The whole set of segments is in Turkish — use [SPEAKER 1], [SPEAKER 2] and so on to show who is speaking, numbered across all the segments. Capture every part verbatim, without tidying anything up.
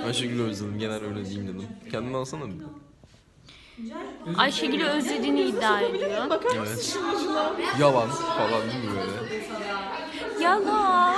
[SPEAKER 1] Ayşegül'ü özledim. Genel öyle diyeyim dedim. Kendini alsana bir.
[SPEAKER 2] Ayşegül'ü özlediğini iddia ediyor.
[SPEAKER 1] Evet. Yalan falan değil mi böyle?
[SPEAKER 2] Yalan.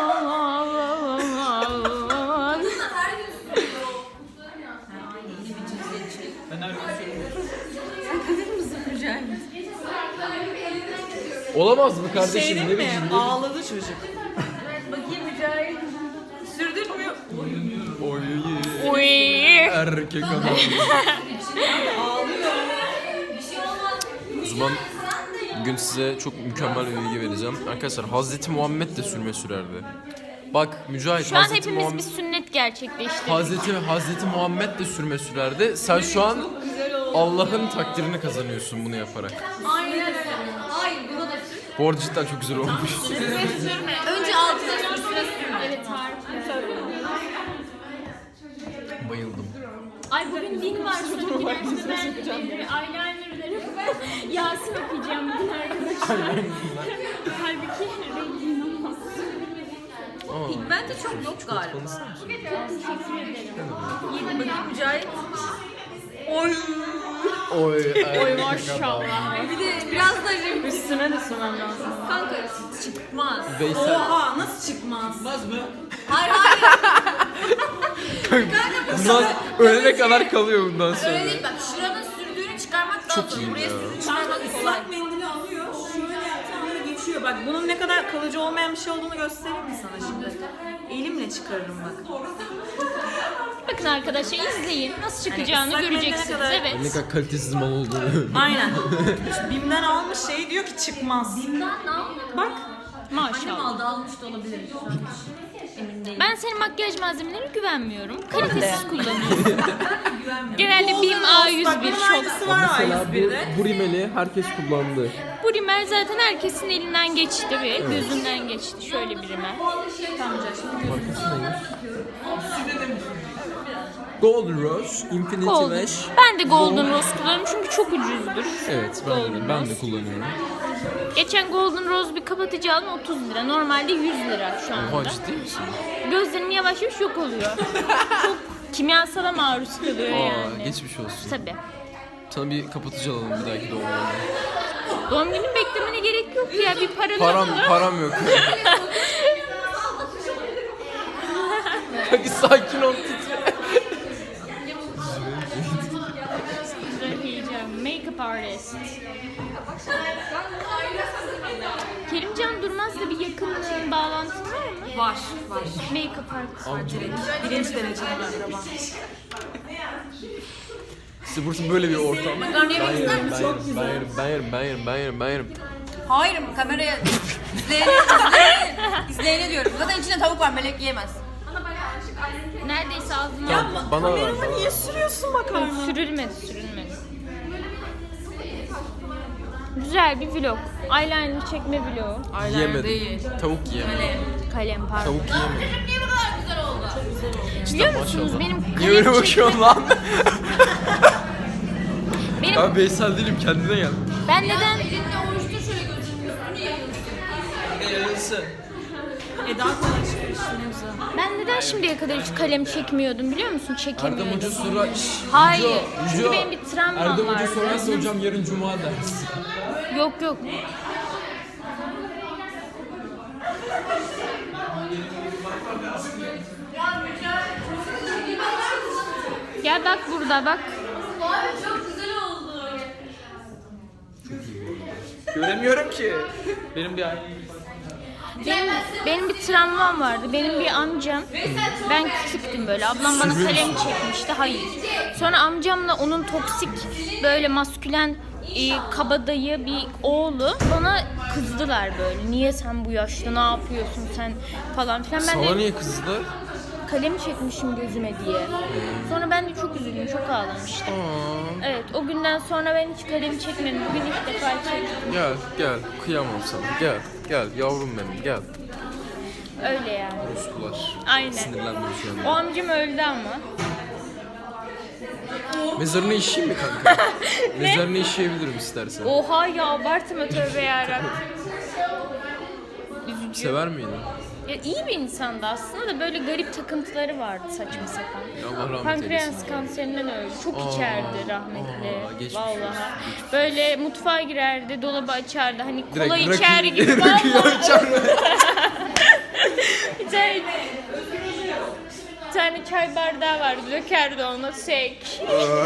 [SPEAKER 1] Olamaz mı kardeşim?
[SPEAKER 3] Şey
[SPEAKER 1] Ne
[SPEAKER 3] değil mi?
[SPEAKER 1] biçim?
[SPEAKER 3] Ağladı çocuk.
[SPEAKER 2] Bakayım Mücahit.
[SPEAKER 3] Sürdürmüyor.
[SPEAKER 1] Oy.
[SPEAKER 2] Oy.
[SPEAKER 1] Erkek adam.
[SPEAKER 3] Ağlıyor.
[SPEAKER 1] O zaman bugün size çok mükemmel bir bilgi vereceğim. Arkadaşlar Hazreti Muhammed de sürme sürerdi. Bak Mücahit,
[SPEAKER 2] Şu an
[SPEAKER 1] Hazreti
[SPEAKER 2] hepimiz
[SPEAKER 1] Muhammed...
[SPEAKER 2] bir sünnet gerçekleştirdik.
[SPEAKER 1] Hazreti, Hazreti Muhammed de sürme sürerdi. Sen şu an Allah'ın takdirini kazanıyorsun bunu yaparak.
[SPEAKER 2] Aynen öyle. Hayır, buna da sür.
[SPEAKER 1] Bu arada cidden çok güzel olmuş.
[SPEAKER 2] Önce altına sür, sıra sürme. Evet, harika.
[SPEAKER 1] Bayıldım.
[SPEAKER 2] Ay bugün din var. Sonraki derste ben benim eyelinerlerim. Yasin okuyacağım bugün arkadaşlar. Halbuki rengim olmaz.
[SPEAKER 1] Aa,
[SPEAKER 3] Ben de çok yok galiba.
[SPEAKER 1] tanısın mısın?
[SPEAKER 2] Teşekkür ederim.
[SPEAKER 3] Bakayım Mücahit. Oy.
[SPEAKER 1] Oy,
[SPEAKER 2] Oy maşallah.
[SPEAKER 3] Bir de biraz da renk.
[SPEAKER 2] Üstüne de sürmem lazım.
[SPEAKER 3] Kanka çıkmaz.
[SPEAKER 1] Veysel.
[SPEAKER 3] Oha nasıl çıkmaz? Çıkmaz mı?
[SPEAKER 2] Hayır hayır.
[SPEAKER 1] Bundan ölene kadar kalıyor bundan sonra.
[SPEAKER 2] Öyle değil bak. Şuranın sürdüğünü çıkarmak daha
[SPEAKER 1] Çok
[SPEAKER 2] zor.
[SPEAKER 1] iyi
[SPEAKER 2] Buraya
[SPEAKER 1] ya.
[SPEAKER 2] sürdüğünü
[SPEAKER 3] Kanka
[SPEAKER 2] çıkarmak kolay.
[SPEAKER 3] ıslak mendili alıyor. Şöyle yaptığında geçiyor. Bak bunun ne kadar kalıcı olmayan bir şey olduğunu göstereyim mi sana şimdi? Elimle çıkarırım bak.
[SPEAKER 2] Bakın arkadaşlar izleyin. Nasıl çıkacağını
[SPEAKER 3] ıslak mendile
[SPEAKER 2] göreceksiniz.
[SPEAKER 3] kadar-
[SPEAKER 2] Evet.
[SPEAKER 1] Ne kadar kalitesiz mal olduğunu.
[SPEAKER 3] Aynen. Bim'den almış şey diyor ki çıkmaz.
[SPEAKER 2] Bim'den ne yapmadın?
[SPEAKER 3] Bak.
[SPEAKER 2] Maşallah.
[SPEAKER 4] Aldı almış da olabilir. Emin değilim.
[SPEAKER 2] Ben senin makyaj malzemelerine güvenmiyorum. Kalitesiz kullanıyorsun. Genelde Bim A yüz
[SPEAKER 3] Bak
[SPEAKER 2] bir
[SPEAKER 3] bunun
[SPEAKER 2] çok.
[SPEAKER 3] aynısı var A yüz bir'de.
[SPEAKER 1] bu rimeli herkes kullandı.
[SPEAKER 2] Bu rimel zaten herkesin elinden geçti ve gözünden geçti. Şöyle bir rimel.
[SPEAKER 1] Golden Rose, Infinity
[SPEAKER 2] Golden.
[SPEAKER 1] Lash.
[SPEAKER 2] Ben de Golden Rose kullanıyorum çünkü çok ucuzdur.
[SPEAKER 1] Evet ben de, ben de kullanıyorum.
[SPEAKER 2] Geçen Golden Rose bir kapatıcı aldım otuz lira. Normalde yüz lira şu
[SPEAKER 1] Oha
[SPEAKER 2] anda.
[SPEAKER 1] ciddi misin?
[SPEAKER 2] Gözlerim yavaş yavaş yok oluyor. Çok kimyasala maruz kalıyor
[SPEAKER 1] Aa
[SPEAKER 2] yani.
[SPEAKER 1] geçmiş olsun.
[SPEAKER 2] Tabii.
[SPEAKER 1] Sana bir kapatıcı alalım bir dahaki doğum gününde.
[SPEAKER 2] Doğum günü beklemene gerek yok ya. Bir paranı
[SPEAKER 1] Param,
[SPEAKER 2] alın.
[SPEAKER 1] param yok. Hadi sakin ol titre.
[SPEAKER 2] Diyeceğim. Make-up artist. Kerimcan Durmaz'la bir yakınlığın bağlantın var mı?
[SPEAKER 3] Var, var.
[SPEAKER 2] Make-up artist.
[SPEAKER 3] Birinci dereceli akraba.
[SPEAKER 1] İşte burası böyle bir ortam.
[SPEAKER 4] Makarna yemek ister misin?
[SPEAKER 1] Ben yerim, ben yerim, ben yerim, ben yerim, ben yerim.
[SPEAKER 4] Hayır kameraya izleyene, izleyene, izleyene diyorum. Zaten içinde tavuk var melek yiyemez.
[SPEAKER 2] Neredeyse ağzıma
[SPEAKER 3] Ya
[SPEAKER 1] Bana ver,
[SPEAKER 3] kamerama
[SPEAKER 1] bana
[SPEAKER 3] niye
[SPEAKER 1] ver.
[SPEAKER 3] sürüyorsun makarna?
[SPEAKER 2] sürülmedi, sürülmedi. Güzel bir vlog. Eyeliner çekme vlogu.
[SPEAKER 1] Yiyemedim. Tavuk yiyemedim.
[SPEAKER 2] Kalem pardon.
[SPEAKER 1] Tavuk yiyemedim.
[SPEAKER 4] Niye bu kadar güzel oldu?
[SPEAKER 2] Biliyor
[SPEAKER 1] Cidden
[SPEAKER 2] musunuz
[SPEAKER 1] maşallah.
[SPEAKER 2] benim
[SPEAKER 1] Niye öyle
[SPEAKER 2] kalem çekme...
[SPEAKER 1] bakıyorsun lan?
[SPEAKER 2] Benim,
[SPEAKER 1] Ben Veysel değilim, kendine gel.
[SPEAKER 2] ben neden...
[SPEAKER 4] Elinde oruçta şöyle gözünün üstünü yayıyorsun.
[SPEAKER 3] Eda kadar çıkıyor işte ne güzel.
[SPEAKER 2] Ben neden şimdiye kadar hiç kalem çekmiyordum biliyor musun?
[SPEAKER 1] Erdem
[SPEAKER 2] Çekemiyordum.
[SPEAKER 1] Hoca sonra... Şşş,
[SPEAKER 2] Hayır.
[SPEAKER 1] Yüce,
[SPEAKER 2] Çünkü
[SPEAKER 1] Yüce.
[SPEAKER 2] benim bir travmam
[SPEAKER 1] Erdem Hoca
[SPEAKER 2] vardı.
[SPEAKER 1] sorarsa hocam yarın cuma ders.
[SPEAKER 2] Yok yok. Gel bak burada bak.
[SPEAKER 4] Abi çok güzel oldu.
[SPEAKER 1] Göremiyorum ki. Benim bir
[SPEAKER 2] Benim, benim bir travmam vardı. Benim bir amcam, ben küçüktüm böyle. Ablam bana kalem çekmişti. Hayır. Sonra amcamla onun toksik böyle maskülen e, kabadayı bir oğlu bana kızdılar böyle. Niye sen bu yaşta ne yapıyorsun sen falan filan. Ben
[SPEAKER 1] Sana
[SPEAKER 2] de
[SPEAKER 1] niye kızdı?
[SPEAKER 2] kalem çekmişim gözüme diye. Sonra ben de çok üzüldüm, çok ağlamıştım.
[SPEAKER 1] Aa,
[SPEAKER 2] Evet, o günden sonra ben hiç kalem çekmedim. Bugün ilk defa çektim.
[SPEAKER 1] gel gel kıyamam sana gel gel yavrum benim gel.
[SPEAKER 2] Öyle yani.
[SPEAKER 1] Ruskular.
[SPEAKER 2] Aynen.
[SPEAKER 1] Sinirlendim şu
[SPEAKER 2] O
[SPEAKER 1] an.
[SPEAKER 2] amcam öldü ama.
[SPEAKER 1] Mezarını işeyeyim mi kanka? Mezarını işeyebilirim istersen.
[SPEAKER 2] Oha ya abartma tövbe yarabbim. Üzücü.
[SPEAKER 1] Sever miydin?
[SPEAKER 2] Ya iyi bir insandı aslında da böyle garip takıntıları vardı saçma sapan.
[SPEAKER 1] Allah rahmet
[SPEAKER 2] Pankreas
[SPEAKER 1] eylesin.
[SPEAKER 2] kanserinden öldü. Çok
[SPEAKER 1] Aa,
[SPEAKER 2] içerdi rahmetli.
[SPEAKER 1] aa, geçmiş
[SPEAKER 2] Vallahi.
[SPEAKER 1] olsun,
[SPEAKER 2] Böyle mutfağa girerdi, dolabı açardı. Hani
[SPEAKER 1] Direkt
[SPEAKER 2] kola
[SPEAKER 1] rakı-
[SPEAKER 2] içer gibi
[SPEAKER 1] rakı
[SPEAKER 2] vallahi.
[SPEAKER 1] içer.
[SPEAKER 2] Bir tane, bir tane çay bardağı vardı. Dökerdi ona sek.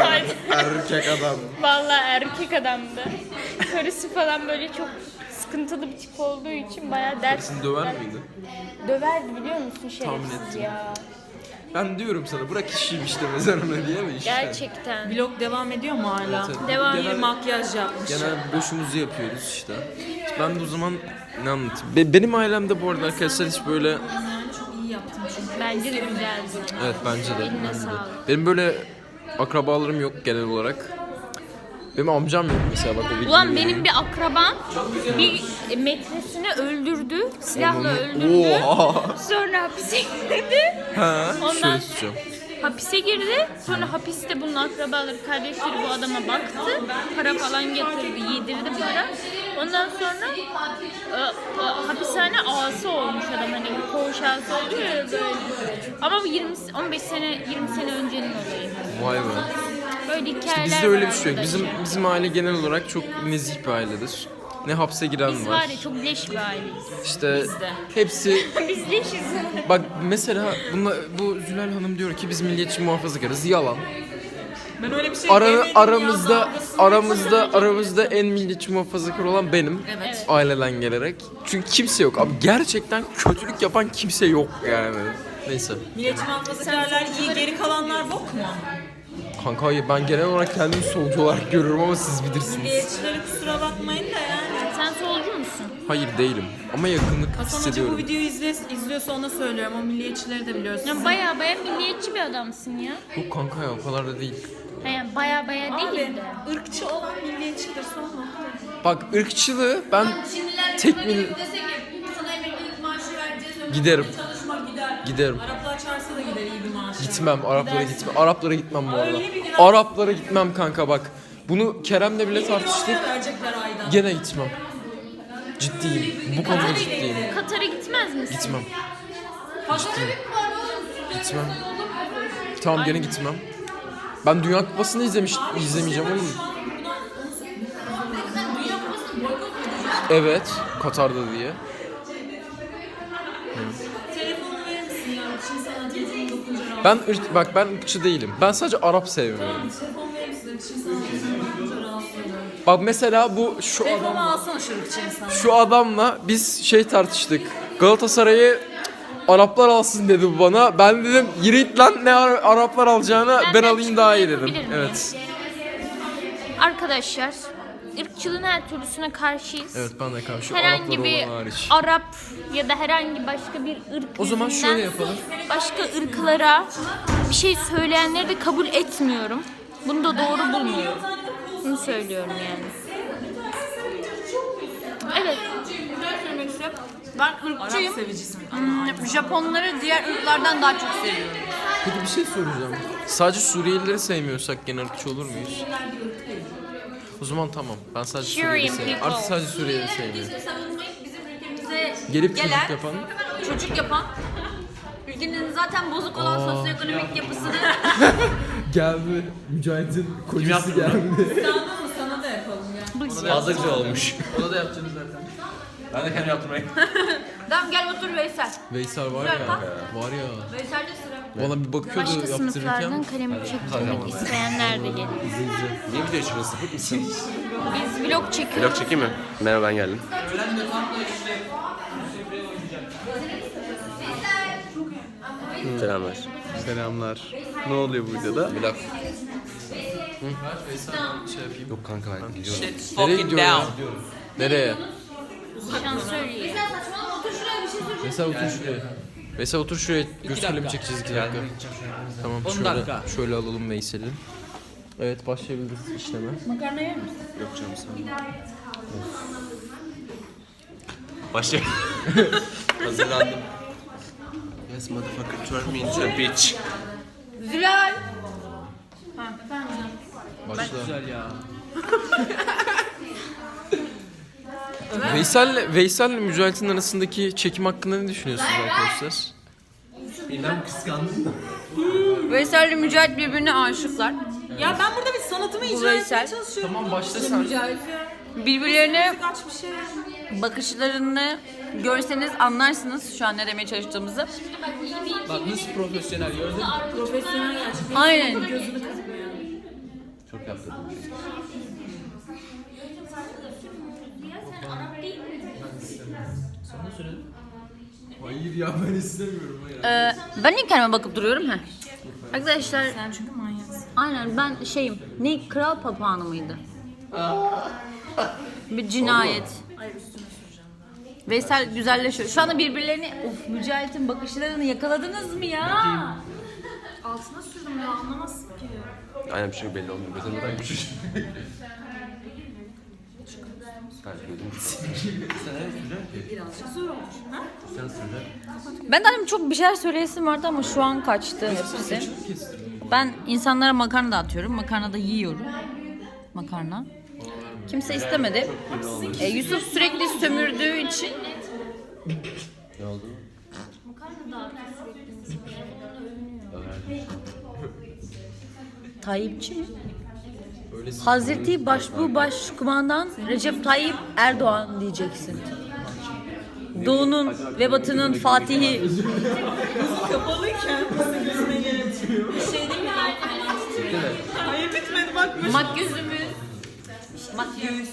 [SPEAKER 1] Erkek adam.
[SPEAKER 2] Vallahi erkek adamdı. Karısı falan böyle çok sıkıntılı bir tip olduğu için bayağı ders
[SPEAKER 1] Seni döver miydi?
[SPEAKER 2] döverdi biliyor musun
[SPEAKER 1] Tahmin
[SPEAKER 2] şerefsiz
[SPEAKER 1] ettim.
[SPEAKER 2] ya.
[SPEAKER 1] Ben diyorum sana bırak işiyim işte mezarına diye mi işte?
[SPEAKER 2] Gerçekten.
[SPEAKER 3] Vlog devam ediyor mu hala?
[SPEAKER 1] Evet, evet.
[SPEAKER 2] Devam.
[SPEAKER 3] Bir
[SPEAKER 1] Genel,
[SPEAKER 3] makyaj yapmış.
[SPEAKER 1] genel boşumuzu yapıyoruz işte. Ben de o zaman ne anlatayım? Be- benim ailemde bu arada arkadaşlar hiç böyle...
[SPEAKER 3] Yani çok iyi yaptın çünkü.
[SPEAKER 2] Bence de güzeldi.
[SPEAKER 1] Evet bence de.
[SPEAKER 2] Eline
[SPEAKER 1] bence de.
[SPEAKER 2] sağlık.
[SPEAKER 1] Benim böyle akrabalarım yok genel olarak. Benim amcam yok mesela bak o videoyu.
[SPEAKER 2] Ulan benim bir akrabam bir metresini öldürdü. Silahla öldürdü.
[SPEAKER 1] Oha.
[SPEAKER 2] Sonra hapise girdi.
[SPEAKER 1] Ha,
[SPEAKER 2] Ondan-
[SPEAKER 1] şöyle tutacağım.
[SPEAKER 2] Hapise girdi. Sonra hapiste bunun akrabaları, kardeşleri bu adama baktı. Para falan getirdi, yedirdi para. Ondan sonra e, e, hapishane ağası olmuş adam. Hani koğuş ağası oluyor ya böyle. Ama bu yirmi on beş sene yirmi sene öncenin olayı.
[SPEAKER 1] Vay be.
[SPEAKER 2] Böyle hikayeler
[SPEAKER 1] Bizde öyle
[SPEAKER 2] var
[SPEAKER 1] bir şey yok. Bizim
[SPEAKER 2] arkadaşlar.
[SPEAKER 1] bizim aile genel olarak çok nezih bir ailedir. Ne hapse giren
[SPEAKER 2] Biz
[SPEAKER 1] var.
[SPEAKER 2] var ya çok leş bir aileyiz.
[SPEAKER 1] İşte hepsi
[SPEAKER 2] Biz leşiz.
[SPEAKER 1] bak mesela bunla, bu Zülal Hanım diyor ki biz milliyetçi muhafazakarız. Yalan.
[SPEAKER 3] Ben öyle bir şey
[SPEAKER 1] Ara,
[SPEAKER 3] demedim
[SPEAKER 1] aramızda
[SPEAKER 3] ya, dalgasını
[SPEAKER 1] aramızda aramızda en milliyetçi muhafazakar olan benim.
[SPEAKER 3] Evet.
[SPEAKER 1] Aileden gelerek. Çünkü kimse yok. Abi gerçekten kötülük yapan kimse yok yani. Neyse.
[SPEAKER 3] Milliyetçi muhafazakarlar iyi, geri kalanlar bok mu?
[SPEAKER 1] Kanka hayır ben genel olarak kendimi solcu olarak görüyorum ama siz bilirsiniz.
[SPEAKER 3] Milliyetçilere kusura bakmayın da yani.
[SPEAKER 2] Sen solcu musun?
[SPEAKER 1] Hayır değilim ama yakınlık
[SPEAKER 3] Hasan Hoca bu
[SPEAKER 1] hissediyorum.
[SPEAKER 3] videoyu izle, izliyorsa ona söylüyorum. O milliyetçileri de biliyorsun.
[SPEAKER 2] Ya baya baya milliyetçi bir adamsın ya.
[SPEAKER 1] Yok kanka ya o kadar da değil.
[SPEAKER 2] Yani baya baya değil
[SPEAKER 3] Abi,
[SPEAKER 2] de.
[SPEAKER 3] ırkçı olan milliyetçidir son nokta.
[SPEAKER 1] Bak ırkçılığı ben
[SPEAKER 4] Şimdiler
[SPEAKER 1] tek
[SPEAKER 4] böyle
[SPEAKER 1] mil-
[SPEAKER 4] desek ya sana emeklilik maaşı vereceğiz. ömür
[SPEAKER 1] Giderim.
[SPEAKER 4] boyu Çalışmak gider.
[SPEAKER 1] giderim.
[SPEAKER 3] Araplar çağırsa da gider iyi bir maaş.
[SPEAKER 1] Gitmem Araplara
[SPEAKER 3] Gidersin.
[SPEAKER 1] gitmem. Araplara gitmem bu arada.
[SPEAKER 3] Öyle bir gün-
[SPEAKER 1] Araplara gitmem kanka bak. Bunu Kerem'le bile
[SPEAKER 3] Bir milyon
[SPEAKER 1] tartıştık.
[SPEAKER 3] lira verecekler aydan.
[SPEAKER 1] Gene gitmem. Ciddiyim. Bu konuda ciddiyim.
[SPEAKER 2] Katar'a gitmez misin?
[SPEAKER 1] Gitmem.
[SPEAKER 4] Pazara bir var oğlum.
[SPEAKER 1] Gitmem. Tamam gene gitmem. Ben Dünya Kupası'nı izlemiş izlemeyeceğim oğlum.
[SPEAKER 4] Dünya Kupası'nı boykot mu edeceksin?
[SPEAKER 1] Evet, Katar'da diye.
[SPEAKER 3] Telefonu verir misin ya? Çin sana telefonu dokunca rahatsız.
[SPEAKER 1] Ben ırk, bak ben ırkçı değilim. Ben sadece Arap sevmiyorum.
[SPEAKER 3] Telefon verir misin? Çin sana telefonu dokunca rahatsız oluyorum.
[SPEAKER 1] Bak mesela bu şu adam
[SPEAKER 3] Telefonu alsana şu ırkçı insan.
[SPEAKER 1] şu adamla biz şey tartıştık. Galatasaray'ı Araplar alsın dedi bu bana. Ben dedim yürü git lan ne Ara- Araplar alacağına ben,
[SPEAKER 2] Ben- ben
[SPEAKER 1] alayım daha iyi dedim.
[SPEAKER 2] yapabilir miyim?
[SPEAKER 1] Evet.
[SPEAKER 2] Arkadaşlar, ırkçılığın her türlüsüne karşıyız.
[SPEAKER 1] Evet ben de karşı
[SPEAKER 2] Herhangi
[SPEAKER 1] Araplar
[SPEAKER 2] bir
[SPEAKER 1] olan hariç.
[SPEAKER 2] Arap ya da herhangi başka bir ırk
[SPEAKER 1] O zaman
[SPEAKER 2] yüzünden
[SPEAKER 1] şöyle yapalım.
[SPEAKER 2] başka ırklara bir şey söyleyenleri de kabul etmiyorum. Bunu da doğru bulmuyorum. Bunu söylüyorum yani. Evet.
[SPEAKER 4] Ne söylemek istiyorum? Ben
[SPEAKER 3] Arap
[SPEAKER 4] ırkçıyım.
[SPEAKER 3] sevicisin.
[SPEAKER 4] Hmm, Japonları diğer ırklardan daha çok seviyorum.
[SPEAKER 1] Peki bir şey soracağım. Sadece Suriyelileri sevmiyorsak gene ırkçı olur muyuz? O zaman tamam. Ben sadece Suriyeli
[SPEAKER 2] Syrian
[SPEAKER 1] sevmiyorum.
[SPEAKER 2] people.
[SPEAKER 1] Artık sadece Suriyeli sevmiyorum.
[SPEAKER 4] Bizi savunmayıp bizim ülkemize
[SPEAKER 1] Gelip
[SPEAKER 4] gelen,
[SPEAKER 1] çocuk yapan.
[SPEAKER 4] çocuk yapan, ülkenin zaten bozuk olan sosyoekonomik yapısını
[SPEAKER 1] Geldi. Mücahit'in kocası geldi.
[SPEAKER 3] Sana mı? Sana da yapalım ya.
[SPEAKER 5] Fazla güzel olmuş. Onu da yapacağız zaten. Ben de kendim yaptırmayı.
[SPEAKER 4] Tamam gel otur Veysel.
[SPEAKER 1] Veysel var ya.
[SPEAKER 4] Güzel, bak.
[SPEAKER 1] Var ya.
[SPEAKER 4] Veysel'de sıra.
[SPEAKER 1] Valla bir bakıyordu
[SPEAKER 2] Başka sınıflardan
[SPEAKER 1] yaptırırken.
[SPEAKER 2] kalemi çektirmek isteyenler de gelir.
[SPEAKER 5] Niye video çıkıyorsun? Sapık mısın?
[SPEAKER 2] Biz vlog çekiyoruz.
[SPEAKER 5] Vlog çekeyim mi? Merhaba ben geldim. Selamlar.
[SPEAKER 6] Selamlar. Ne oluyor bu videoda?
[SPEAKER 5] Vlog.
[SPEAKER 1] Veysel ben şey yapayım.
[SPEAKER 5] Yok kanka ben gidiyorum.
[SPEAKER 1] Nereye gidiyor ya? Nereye?
[SPEAKER 2] Şansölyeyi.
[SPEAKER 1] Veysel otur şuraya. Veysel otur şuraya. Göz kalemi çekeceğiz iki dakika. Tamam şöyle, şöyle alalım Veysel'i. Evet başlayabiliriz işleme.
[SPEAKER 2] Makarna yer misin?
[SPEAKER 5] Yok canım sen. Başlayalım. Hazırlandım. Yes motherfucker turn me into a bitch.
[SPEAKER 4] Zülal.
[SPEAKER 1] Başla.
[SPEAKER 5] ya.
[SPEAKER 1] Veysel'le Veysel'le Mücahit'in arasındaki çekim hakkında ne düşünüyorsunuz arkadaşlar?
[SPEAKER 5] Bilmem kıskandın mı?
[SPEAKER 4] Veysel'le Mücahit birbirine aşıklar.
[SPEAKER 3] Ya ben burada bir sanatımı icra
[SPEAKER 4] Veysel.
[SPEAKER 3] etmeye çalışıyorum.
[SPEAKER 1] Tamam başla sen.
[SPEAKER 4] Birbirlerine
[SPEAKER 3] Kaç bir şey.
[SPEAKER 4] bakışlarını görseniz anlarsınız şu an ne demeye çalıştığımızı.
[SPEAKER 5] Bak nasıl profesyonel gördün mü?
[SPEAKER 3] Profesyonel gerçekten.
[SPEAKER 4] Aynen.
[SPEAKER 3] Gözünü kırpıyor.
[SPEAKER 5] Çok yaptırdım. Sana söyledim. Hayır ya ben istemiyorum. Hayır.
[SPEAKER 4] Ee, ben niye kendime bakıp duruyorum ha? Arkadaşlar
[SPEAKER 3] Sen çünkü manyaksın.
[SPEAKER 4] aynen ben şeyim. Ne kral papağanı mıydı? Bir cinayet.
[SPEAKER 3] Hayır üstüne süreceğim.
[SPEAKER 4] Veysel güzelleşiyor. Şu anda birbirlerini of Mücahit'in bakışlarını yakaladınız mı ya?
[SPEAKER 3] Altına sürdüm ya anlamazsın ki.
[SPEAKER 1] Aynen bir şey belli olmuyor. Mesela neden bir şey? Ben gördüm.
[SPEAKER 3] Birazcık zor olmuş. Ha?
[SPEAKER 5] Sen söyle.
[SPEAKER 4] Ben de hani çok bir şeyler söyleyesim vardı ama şu an kaçtı hepsi. Ben insanlara makarna dağıtıyorum. Makarna da yiyorum. Makarna. Kimse istemedi. Ee, Yusuf sürekli sömürdüğü için
[SPEAKER 1] Ne oldu?
[SPEAKER 4] Tayyipçi mi?
[SPEAKER 1] Öyle
[SPEAKER 4] Hazreti Başbuğ Başkumandan Recep Tayyip Erdoğan diyeceksin. Doğu'nun ve Batı'nın Fatihi.
[SPEAKER 3] Kapalıyken nasıl gözüne geletiyor? Bir şey değil mi? Hayır bitmedi bak.
[SPEAKER 4] Makyüzümüz. Makyüz.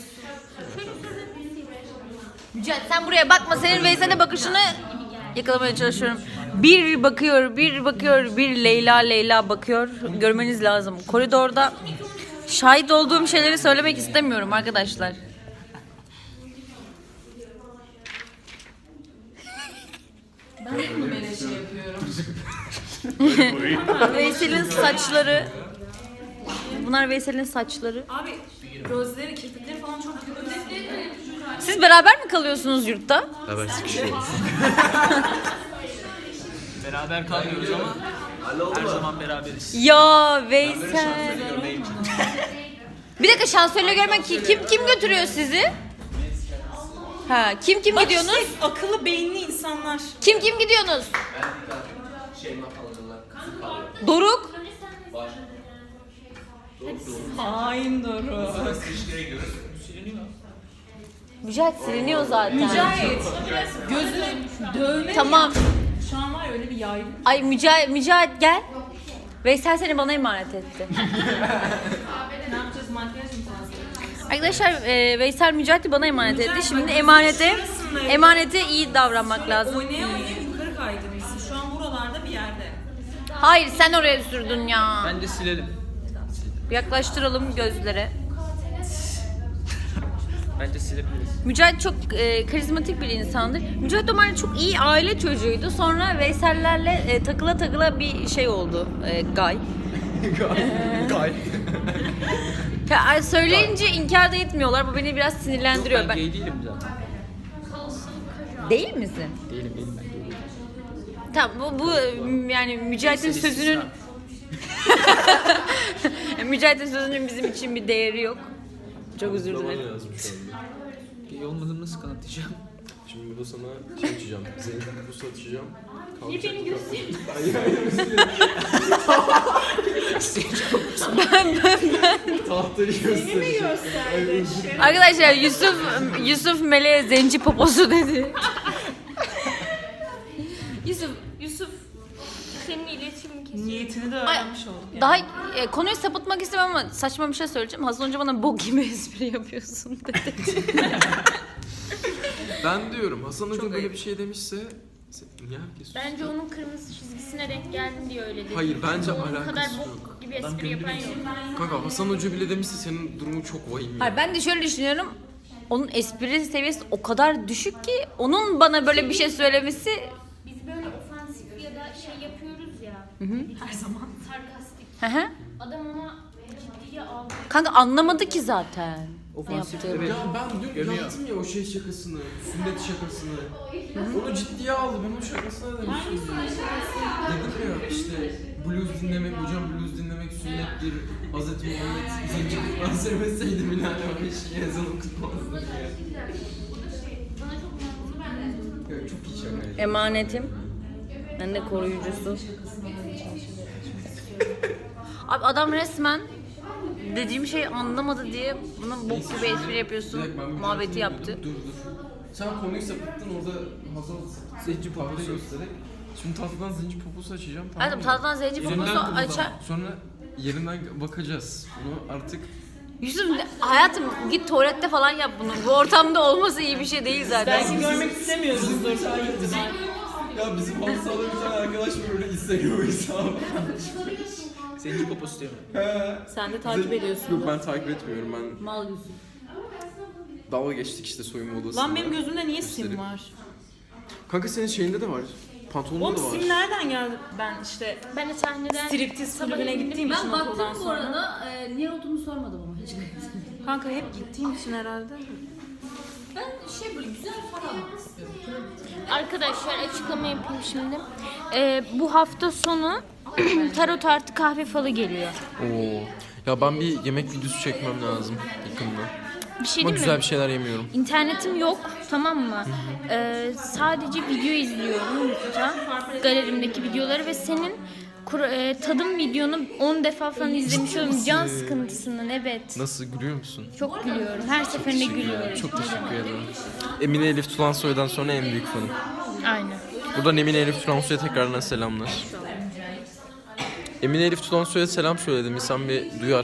[SPEAKER 4] Mücahit sen buraya bakma, senin Veysel'e bakışını yakalamaya çalışıyorum. Bir bakıyor, bir bakıyor, bir Leyla Leyla bakıyor. Görmeniz lazım. Koridorda şahit olduğum şeyleri söylemek istemiyorum arkadaşlar.
[SPEAKER 3] Böyle şey yapıyorum.
[SPEAKER 4] Veysel'in saçları. Bunlar Veysel'in saçları.
[SPEAKER 3] Abi gözleri, kirpikleri falan çok kötü.
[SPEAKER 4] Siz beraber mi kalıyorsunuz yurtta?
[SPEAKER 1] Haber sıkışıyoruz.
[SPEAKER 5] Beraber kalmıyoruz ama her zaman beraberiz.
[SPEAKER 4] Ya Veysel. Bir dakika şansölye görmek ki kim kim götürüyor sizi? Ha kim kim gidiyorsunuz?
[SPEAKER 3] Bak işte akıllı beyinli insanlar.
[SPEAKER 4] Kim kim gidiyorsunuz? Doruk.
[SPEAKER 3] Hain doğru.
[SPEAKER 4] Mücahit siliniyor zaten.
[SPEAKER 3] Mücahit. Gözünü dövme.
[SPEAKER 4] Tamam.
[SPEAKER 3] Şu an var ya öyle bir yaygın.
[SPEAKER 4] Ay Mücahit, Mücahit gel. Veysel seni bana emanet etti.
[SPEAKER 3] Ne yapacağız? Makyaj mı fazla?
[SPEAKER 4] Arkadaşlar e, Veysel Mücahit'i bana emanet etti. Şimdi emanete emanete iyi davranmak lazım.
[SPEAKER 3] Oynaya oynaya yukarı kaydırmışsın. Şu an buralarda bir yerde.
[SPEAKER 4] Hayır sen oraya sürdün ya.
[SPEAKER 5] Bence silelim.
[SPEAKER 4] Yaklaştıralım gözlere.
[SPEAKER 5] Bence silebiliriz.
[SPEAKER 4] Mücahit çok e, karizmatik bir insandır. Mücahit normalde çok iyi aile çocuğuydu. Sonra Veysel'lerle e, takıla takıla bir şey oldu. E, gay.
[SPEAKER 5] Gay.
[SPEAKER 4] Ya, söyleyince inkar da etmiyorlar. Bu beni biraz sinirlendiriyor.
[SPEAKER 5] Ben
[SPEAKER 4] Ben...
[SPEAKER 5] gay değilim zaten.
[SPEAKER 4] Değil misin?
[SPEAKER 5] Değilim değilim ben.
[SPEAKER 4] Tamam bu, bu yani Mücahit'in
[SPEAKER 5] Neyse,
[SPEAKER 4] sözünün Mücahit'in sözünün bizim için bir değeri yok. Çok özür dilerim.
[SPEAKER 5] Gay olmadığımı nasıl kanıtlayacağım?
[SPEAKER 1] Şimdi burada sana şey açacağım. Zeynep'e buz atacağım.
[SPEAKER 2] Niye beni gösteriyorsun?
[SPEAKER 1] Hayır hayır.
[SPEAKER 4] Ben ben ben.
[SPEAKER 1] Tahtayı göstereceğim.
[SPEAKER 4] Arkadaşlar Yusuf Yusuf Meleğe zenci poposu dedi.
[SPEAKER 2] Yusuf, Yusuf seninle iletişim kesiyor.
[SPEAKER 3] Niyetini de öğrenmiş olduk.
[SPEAKER 4] Daha e, konuyu sapıtmak istemem ama saçma bir şey söyleyeceğim. Hasan Hoca bana bok gibi espri yapıyorsun dedi.
[SPEAKER 1] Ben diyorum Hasan Hoca böyle bir şey demişse niye herkes
[SPEAKER 2] Bence onun kırmızı çizgisine denk geldin diye öyle dedi.
[SPEAKER 1] Hayır, bence
[SPEAKER 2] Onun kadar
[SPEAKER 1] alakası
[SPEAKER 2] bok
[SPEAKER 1] yok.
[SPEAKER 2] gibi espri yapan yok.
[SPEAKER 1] Kanka Hasan Hoca bile demişse senin durumun çok vahim ya.
[SPEAKER 4] Hayır ben de şöyle düşünüyorum. Onun espri seviyesi o kadar düşük ki onun bana böyle bir şey söylemesi
[SPEAKER 2] Biz böyle ofansif ya da şey yapıyoruz ya. Her zaman. Sarkastik.
[SPEAKER 4] Hı hı.
[SPEAKER 2] Adam ona ciddiye aldı.
[SPEAKER 4] Kanka anlamadı ki zaten. Ne
[SPEAKER 5] Ofansif
[SPEAKER 4] yaptığını.
[SPEAKER 1] Ya ben dün
[SPEAKER 5] Gömüyor.
[SPEAKER 1] yaptım ya o şey şakasını, sünnet şakasını. Onu ciddiye aldı, ben o şakasına demiştim. Dedim ya işte blues dinlemek, hocam blues dinlemek sünnettir. Hazreti Muhammed zenci kutlar sevmeseydi bile hani o işi yazan okutmazdı diye. çok iyi şaka.
[SPEAKER 4] Emanetim. Ben de koruyucusu. Abi adam resmen dediğim şeyi anlamadı diye buna bok gibi espri yapıyorsun
[SPEAKER 1] Direkt ben bir
[SPEAKER 4] muhabbeti
[SPEAKER 1] tarafını-
[SPEAKER 4] yaptı.
[SPEAKER 1] Dur dur. Sen konuyu sapıttın orada Hazal zenci poposu göstererek. Şimdi tahtadan zenci poposu açacağım, tamam
[SPEAKER 4] Hayatım
[SPEAKER 1] mı?
[SPEAKER 4] tahtadan zenci
[SPEAKER 1] Yerinden
[SPEAKER 4] poposu
[SPEAKER 1] kıpırdama.
[SPEAKER 4] açar.
[SPEAKER 1] Sonra yerinden bakacağız. Bunu artık
[SPEAKER 4] Yusuf ne- hayatım git tuvalette falan yap bunu. Bu ortamda olması iyi bir şey değil zaten.
[SPEAKER 3] Belki görmek istemiyoruzdur takipçiler.
[SPEAKER 1] ya bizim Hansa'da bir tane arkadaş var öyle Instagram hesabı.
[SPEAKER 5] Zenci poposu diyor.
[SPEAKER 3] Sen de takip ediyorsun.
[SPEAKER 1] Yok ben takip etmiyorum, ben
[SPEAKER 4] Mal Yusuf.
[SPEAKER 1] dalga geçtik işte soyunma odasında.
[SPEAKER 3] Lan benim gözümde niye sim
[SPEAKER 1] Göstereyim.
[SPEAKER 3] var?
[SPEAKER 1] Kanka senin şeyinde de var. Pantolonunda
[SPEAKER 3] Oğlum
[SPEAKER 1] da var.
[SPEAKER 3] sim nereden geldi? Ben işte
[SPEAKER 2] Ben de sahneden
[SPEAKER 3] striptiz kulübüne gittiğim için
[SPEAKER 4] Ben
[SPEAKER 3] okuldan
[SPEAKER 4] baktım bu
[SPEAKER 3] sonra.
[SPEAKER 4] arada e, niye olduğunu sormadım ama hiç.
[SPEAKER 3] Kanka hep gittiğim için herhalde.
[SPEAKER 4] Ben şey böyle güzel falan almak istiyorum.
[SPEAKER 2] Arkadaşlar açıklama yapayım şimdi. Ee, bu hafta sonu tarot artı kahve falı geliyor.
[SPEAKER 1] Oo. Ya ben bir yemek videosu çekmem lazım yakında.
[SPEAKER 2] Bir şey
[SPEAKER 1] Ama
[SPEAKER 2] değil
[SPEAKER 1] güzel
[SPEAKER 2] mi?
[SPEAKER 1] bir şeyler yemiyorum.
[SPEAKER 2] İnternetim yok, tamam mı? Ee, sadece video izliyorum YouTube'da. Galerimdeki videoları ve senin kur- e, tadım videonu on defa falan izlemiş oluyorum. Can sıkıntısından, evet.
[SPEAKER 1] Nasıl, gülüyor musun?
[SPEAKER 2] Çok gülüyorum. Her seferinde gülüyorum.
[SPEAKER 1] Çok teşekkür ederim. Emine Elif Tulansoy'dan sonra en büyük fanım.
[SPEAKER 2] Aynen.
[SPEAKER 1] Buradan Emine Elif Tulansoy'a tekrardan selamlar. Emine Elif Tulansoy'a selam söyledim. İnsan bir duyar.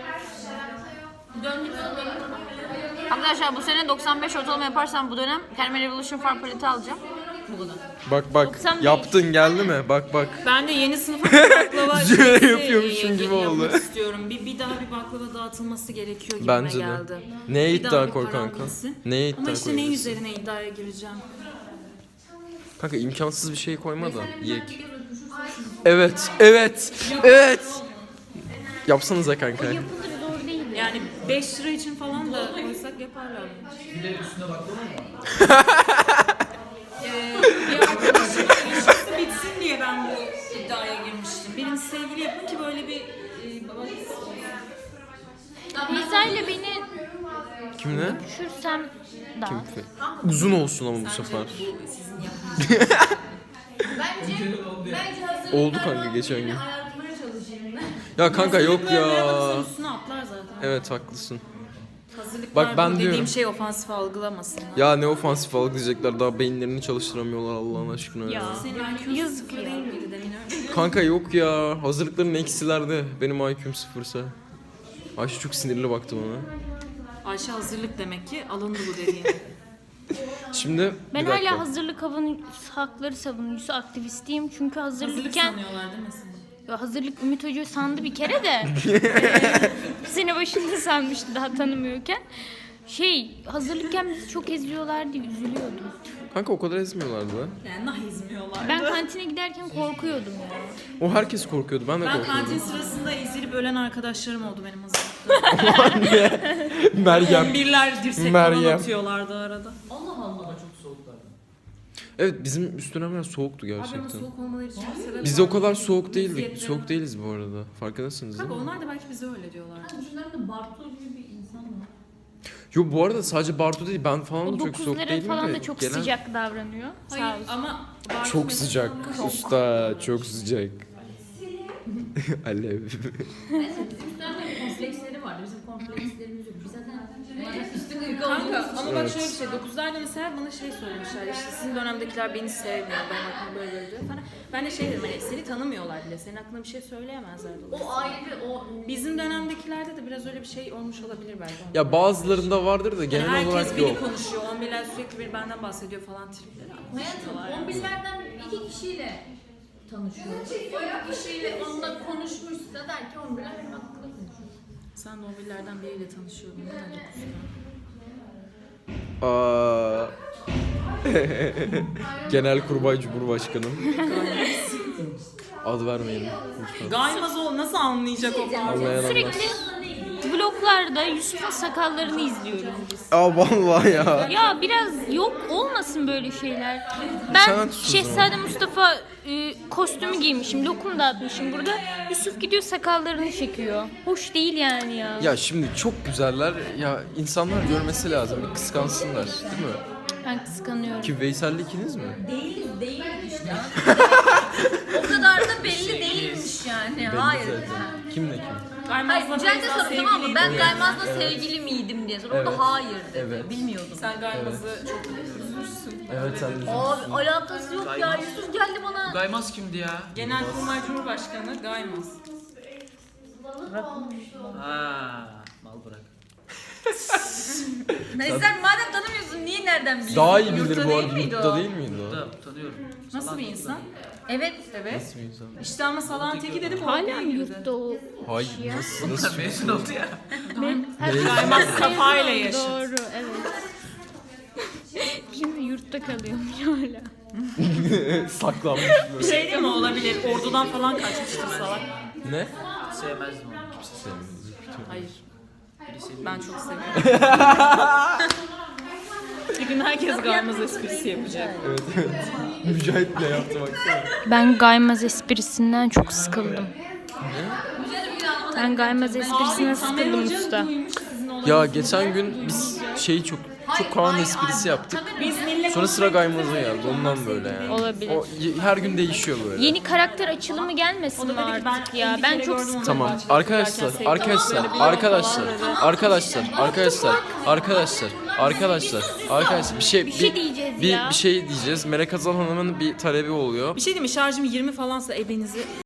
[SPEAKER 4] Arkadaşlar bu sene doksan beş ortalama yaparsam bu dönem kendime Revolution Farm paleti alacağım. Bu kadar.
[SPEAKER 1] Bak bak,
[SPEAKER 2] doksan beş.
[SPEAKER 1] yaptın geldi mi? Bak bak.
[SPEAKER 3] Ben de yeni sınıfa baklava
[SPEAKER 1] Züre
[SPEAKER 3] şeysi
[SPEAKER 1] yapıyormuşum gibi
[SPEAKER 3] yapmak
[SPEAKER 1] oldu.
[SPEAKER 3] istiyorum. Bir, bir daha bir baklava dağıtılması gerekiyor gibi
[SPEAKER 1] Bence de.
[SPEAKER 3] geldi.
[SPEAKER 1] Neye
[SPEAKER 3] Bir daha
[SPEAKER 1] iddia
[SPEAKER 3] bir
[SPEAKER 1] koy
[SPEAKER 3] karar
[SPEAKER 1] kanka?
[SPEAKER 3] verilsin.
[SPEAKER 1] Neye iddia
[SPEAKER 3] Ama işte ne
[SPEAKER 1] koyabilirsin?
[SPEAKER 3] üzerine iddiaya gireceğim.
[SPEAKER 1] Kanka imkansız bir şey koyma da yiyek. Evet, evet, evet. Yapsanıza kanka.
[SPEAKER 2] Yapılır, zor değil.
[SPEAKER 3] Yani beş lira için falan da koysak yaparlar.
[SPEAKER 5] Bir de üstüne baklava mı?
[SPEAKER 3] Ee, bir arkadaşımın ilişkisi bitsin diye ben bu iddiaya girmiştim. Benim sevgili yapın ki böyle bir e, baba
[SPEAKER 2] Beyza ile beni
[SPEAKER 1] Kimle?
[SPEAKER 2] düşürsem daha.
[SPEAKER 1] Uzun olsun ama bu sefer. Oldu kanka geçen gün. Ya kanka yok ya.
[SPEAKER 3] üstüne atlar zaten.
[SPEAKER 1] Evet haklısın.
[SPEAKER 3] Hazırlıklar
[SPEAKER 1] Bak ben
[SPEAKER 3] bu dediğim
[SPEAKER 1] diyorum.
[SPEAKER 3] şey ofansif algılamasınlar.
[SPEAKER 1] Ya ne ofansif algılayacaklar, daha beyinlerini çalıştıramıyorlar Allah'ın aşkına ya.
[SPEAKER 3] Senin I Q'un sıfır değil miydi demin öyle?
[SPEAKER 1] Kanka yok ya, hazırlıkların eksilerde, benim I Q'm sıfırsa. Ayşe çok sinirli baktı bana.
[SPEAKER 3] Ayşe hazırlık demek ki alındı bu dediğin.
[SPEAKER 1] Şimdi
[SPEAKER 2] Ben
[SPEAKER 1] bir dakika.
[SPEAKER 2] hala hazırlık havun- hakları savunucusu aktivistiyim. Çünkü
[SPEAKER 3] Hazırlık
[SPEAKER 2] hazırlıkken
[SPEAKER 3] sanıyorlar değil mi seni?
[SPEAKER 2] ya hazırlık Ümit Hoca sandı bir kere de. Sene başında sanmıştı daha tanımıyorken. Şey, hazırlıkken bizi çok eziyorlardı, üzülüyordum.
[SPEAKER 1] Kanka o kadar ezmiyorlardı.
[SPEAKER 3] Yani nah izmiyorlar.
[SPEAKER 2] Ben kantine giderken korkuyordum ya.
[SPEAKER 1] O herkes korkuyordu, ben de
[SPEAKER 3] Ben
[SPEAKER 1] korkuyordum.
[SPEAKER 3] kantin sırasında ezilip ölen arkadaşlarım oldu benim hazırlıkta.
[SPEAKER 1] Meryem.
[SPEAKER 3] Birler dirsek
[SPEAKER 1] Meryem.
[SPEAKER 3] falan atıyorlardı arada.
[SPEAKER 1] Evet bizim üst dönemler soğuktu
[SPEAKER 3] Abi ama
[SPEAKER 1] gerçekten.
[SPEAKER 3] soğuk olmaları için bir sebep
[SPEAKER 1] Biz de
[SPEAKER 3] var.
[SPEAKER 1] o kadar soğuk değildik.
[SPEAKER 3] Meziyetleri.
[SPEAKER 1] Soğuk değiliz bu arada. Farkındasınız değil
[SPEAKER 3] Kanka
[SPEAKER 1] mi?
[SPEAKER 3] onlar da belki bize öyle diyorlar.
[SPEAKER 1] Yo bu arada sadece Bartu değil, ben falan
[SPEAKER 2] O
[SPEAKER 1] da çok soğuk
[SPEAKER 2] dokuzlara
[SPEAKER 1] değilim
[SPEAKER 2] falan
[SPEAKER 1] de.
[SPEAKER 2] da çok
[SPEAKER 1] genel-
[SPEAKER 2] sıcak davranıyor. Sağ
[SPEAKER 3] Hayır
[SPEAKER 2] olsun.
[SPEAKER 3] ama Bartu
[SPEAKER 1] Çok
[SPEAKER 3] mesela
[SPEAKER 1] sıcak.
[SPEAKER 3] onları-
[SPEAKER 1] Usta çok sıcak. Alev.
[SPEAKER 4] Kompleksleri vardı. Bizim komplekslerimiz yok. Biz zaten
[SPEAKER 3] Kanka ama bak
[SPEAKER 1] Evet.
[SPEAKER 3] şöyle bir şey, dokuzlarda mesela bana şey söylemişler, işte sizin dönemdekiler beni sevmiyor, ben hakkında böyle böyle diyor falan. Ben de şey dedim, hani seni tanımıyorlar bile, senin hakkında bir şey söyleyemezler.
[SPEAKER 4] o ayrı o
[SPEAKER 3] Bizim dönemdekilerde de biraz öyle bir şey olmuş olabilir belki.
[SPEAKER 1] Ya bazılarında vardır da
[SPEAKER 3] Yani
[SPEAKER 1] genel
[SPEAKER 3] herkes
[SPEAKER 1] olarak
[SPEAKER 3] biri
[SPEAKER 1] yok.
[SPEAKER 3] konuşuyor, on birler sürekli bir benden bahsediyor falan tripleri.
[SPEAKER 4] hayatım on binlerden iki kişiyle tanışıyor. O kişiyle onunla konuşmuşsa der ki on birler benim hakkında konuşuyor.
[SPEAKER 3] Sen de on birlerden biriyle tanışıyordun değil mi?
[SPEAKER 1] Aa. Genel Kurmay Cumhurbaşkanım. Ad vermeyelim lütfen.
[SPEAKER 3] Gaymaz ol, nasıl anlayacak o falan?
[SPEAKER 1] Anlayan anlar.
[SPEAKER 2] Sürekli vloglarda Yusuf'un sakallarını izliyoruz biz.
[SPEAKER 1] Aa vallahi ya.
[SPEAKER 2] Ya biraz yok olmasın böyle şeyler.
[SPEAKER 1] Sen
[SPEAKER 2] Ben
[SPEAKER 1] sus o
[SPEAKER 2] Şehzade Mustafa e, kostümü giymişim, lokum dağıtmışım burada. Yusuf gidiyor sakallarını çekiyor. Hoş değil yani ya.
[SPEAKER 1] Ya şimdi çok güzeller. Ya insanlar görmesi lazım. Bir kıskansınlar, değil mi?
[SPEAKER 2] Ben kıskanıyorum.
[SPEAKER 1] Ki Veysel'le ikiniz mi?
[SPEAKER 4] Değiliz, değiliz işte. O kadar da belli değilmiş yani.
[SPEAKER 1] Belli
[SPEAKER 4] Hayır.
[SPEAKER 1] zaten. Kimle kim?
[SPEAKER 4] Hayır,
[SPEAKER 3] Gaymaz'la
[SPEAKER 4] Mücahit'e
[SPEAKER 3] Beyza
[SPEAKER 4] sordum tamam mı? Ben
[SPEAKER 3] sevgiliydi.
[SPEAKER 4] Gaymaz'la sevgili miydim diye sordum. O
[SPEAKER 1] Evet.
[SPEAKER 4] da hayır dedi.
[SPEAKER 1] Evet.
[SPEAKER 4] Bilmiyordum.
[SPEAKER 3] Sen Gaymaz'ı çok üzülmüşsün.
[SPEAKER 1] Evet sen de.
[SPEAKER 4] Abi alakası yok ya. Yusuf geldi bana.
[SPEAKER 5] Gaymaz kimdi ya?
[SPEAKER 3] Genelkurmay Cumhurbaşkanı Gaymaz.
[SPEAKER 5] Ha, mal bırak.
[SPEAKER 4] Neyse sen madem tanımıyorsun niye nereden biliyorsun?
[SPEAKER 1] Daha iyi bilir
[SPEAKER 3] Yurtta
[SPEAKER 1] bu
[SPEAKER 3] değil
[SPEAKER 1] arada.
[SPEAKER 3] miydi
[SPEAKER 1] Yurtta
[SPEAKER 3] o?
[SPEAKER 1] değil miydi o?
[SPEAKER 5] Da tanıyorum.
[SPEAKER 3] Nasıl
[SPEAKER 5] Salak
[SPEAKER 3] bir insan?
[SPEAKER 4] Evet.
[SPEAKER 3] Evet.
[SPEAKER 1] Nasıl bir insan?
[SPEAKER 3] İşte ama salağın teki dedim
[SPEAKER 2] Hala
[SPEAKER 3] ortaya
[SPEAKER 2] mı
[SPEAKER 3] girdi.
[SPEAKER 2] yurtta o?
[SPEAKER 1] Hayır nasıl nasıl?
[SPEAKER 5] Mezun oldu ya.
[SPEAKER 3] Gaymaz kafayla yaşıt.
[SPEAKER 2] Doğru evet. Şimdi yurtta kalıyorum hala.
[SPEAKER 1] Saklanmış böyle.
[SPEAKER 3] Şey değil mi olabilir? Ordudan falan kaçmıştır salak.
[SPEAKER 1] Ne?
[SPEAKER 5] Sevmezdim onu. Kimse
[SPEAKER 1] Sevmiyorum.
[SPEAKER 3] Hayır.
[SPEAKER 5] Biri seviyor.
[SPEAKER 3] Ben çok seviyorum. Bir gün herkes Gaymaz esprisi yapacak.
[SPEAKER 1] Evet evet. Mücahit ne yaptı baksana.
[SPEAKER 2] Ben Gaymaz esprisinden çok sıkıldım. Ben Gaymaz esprisinden sıkıldım usta.
[SPEAKER 1] Ya geçen gün biz şeyi çok çok Kaan esprisi yaptık.
[SPEAKER 3] Biz millet
[SPEAKER 1] Sonra sıra Gaymaz'a geldi. Ondan böyle yani.
[SPEAKER 2] Olabilir.
[SPEAKER 1] O y- her gün değişiyor böyle.
[SPEAKER 2] Yeni karakter açılımı gelmesin mi artık ya? Ben çok sıkıldım.
[SPEAKER 1] Tamam arkadaşlar, arkadaşlar, arkadaşlar, arkadaşlar, arkadaşlar, arkadaşlar, arkadaşlar, arkadaşlar bir şey
[SPEAKER 2] Bir şey
[SPEAKER 1] bir,
[SPEAKER 2] diyeceğiz
[SPEAKER 1] bir,
[SPEAKER 2] ya.
[SPEAKER 1] bir şey diyeceğiz. Melek Hazal Hanım'ın bir talebi oluyor.
[SPEAKER 3] Bir şey diyeyim mi? Şarjım yirmi falansa ebenizi